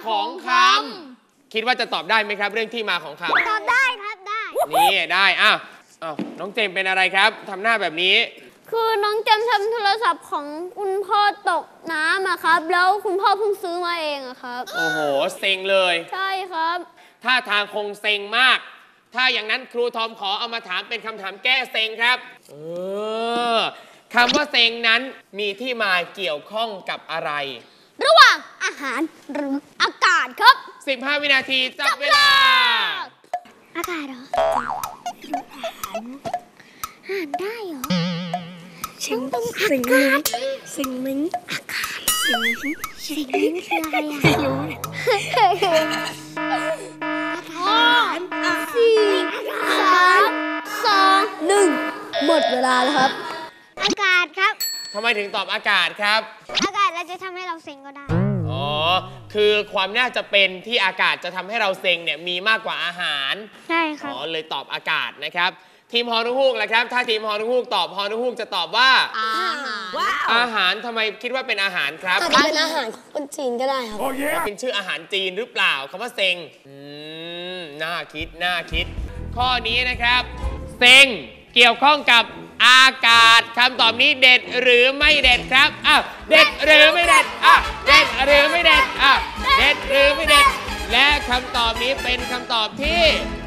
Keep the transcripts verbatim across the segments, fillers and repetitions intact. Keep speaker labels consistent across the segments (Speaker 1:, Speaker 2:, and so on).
Speaker 1: ของคำคิดว่าจะตอบได้ไหมครับเรื่องที่มาของคำ
Speaker 2: ตอบได้ครับได้
Speaker 1: นี่ได้อ้าวอ้าวน้องเจมเป็นอะไรครับทำหน้าแบบนี้
Speaker 2: คือน้องเจมทำโทรศัพท์ของคุณพ่อตกน้ำอะครับแล้วคุณพ่อเพิ่งซื้อมาเองอะครับ
Speaker 1: โอ้โหเซ็งเลย
Speaker 2: ใช่ครับ
Speaker 1: ท่าทางคงเซ็งมากถ้าอย่างนั้นครูทอมขอเอามาถามเป็นคำถามแก้เซ็งครับเออคำว่าเซ็งนั้นมีที่มาเกี่ยวข้องกับอะไร
Speaker 2: ระหว่างอาหารหรืออากาศครับ
Speaker 1: สิบห้าวินาทีจับเวลา
Speaker 2: อากาศเหรออาหารอาหารได้เหรอสิ่งสิ่งมิ้งสิ่งมิ้งอากาศสิ่งมิ้งสิ่งมิ้งคืออะไรอ่ะไม่รู้ห้าสี่สามสองหนึ่งหมดเวลาแล้วครับอากาศครับ
Speaker 1: ทำไมถึงตอบอากาศครับ
Speaker 2: อากาศเราจะทำให้เราเซ็งก็ได้
Speaker 1: อ๋อคือความน่าจะเป็นที่อากาศจะทำให้เราเซ็งเนี่ยมีมากกว่าอาหาร
Speaker 2: ใช่ครับ
Speaker 1: อ๋อเลยตอบอากาศนะครับทีมฮอนุฮูกล่ะครับถ้าทีมฮอนุฮูกตอบฮอนุฮูกจะตอบว่า
Speaker 2: อาหาร
Speaker 1: อาหารทำไมคิดว่าเป็นอาหารครับ
Speaker 3: อาจจะเป็นอาหารของคนจีนก็ได้ครับ
Speaker 1: เป็นชื่ออาหารจีนหรือเปล่าคำว่าเซ็งอืมน่าคิดน่าคิดข้อนี้นะครับเซ็งเกี่ยวข้องกับอากาศคำตอบนี้เด็ดหรือไม่เด็ดครับอ้าวเด็ดหรือไม่เด็ดอ่ะเด็ดหรือไม่เด็ดอ่ะเด็ดหรือไม่เด็ดและคำตอบนี้เป็นคำตอบที่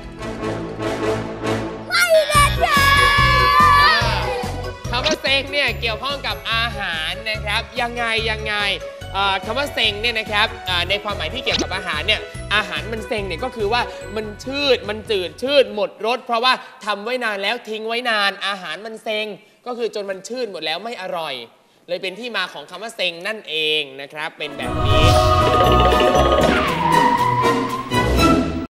Speaker 2: ไม่เด็ดค่ะ
Speaker 1: คำว่าเซ็งเนี่ยเกี่ยวข้องกับอาหารนะครับยังไงยังไงคำว่าเซ็งเนี่ยนะครับในความหมายที่เกี่ยวกับอาหารเนี่ยอาหารมันเซ็งเนี่ยก็คือว่ามันชืดมันจืดชืดหมดรสเพราะว่าทำไว้นานแล้วทิ้งไว้นานอาหารมันเซ็งก็คือจนมันชืดหมดแล้วไม่อร่อยเลยเป็นที่มาของคำว่าเซ็งนั่นเองนะครับเป็นแบบนี้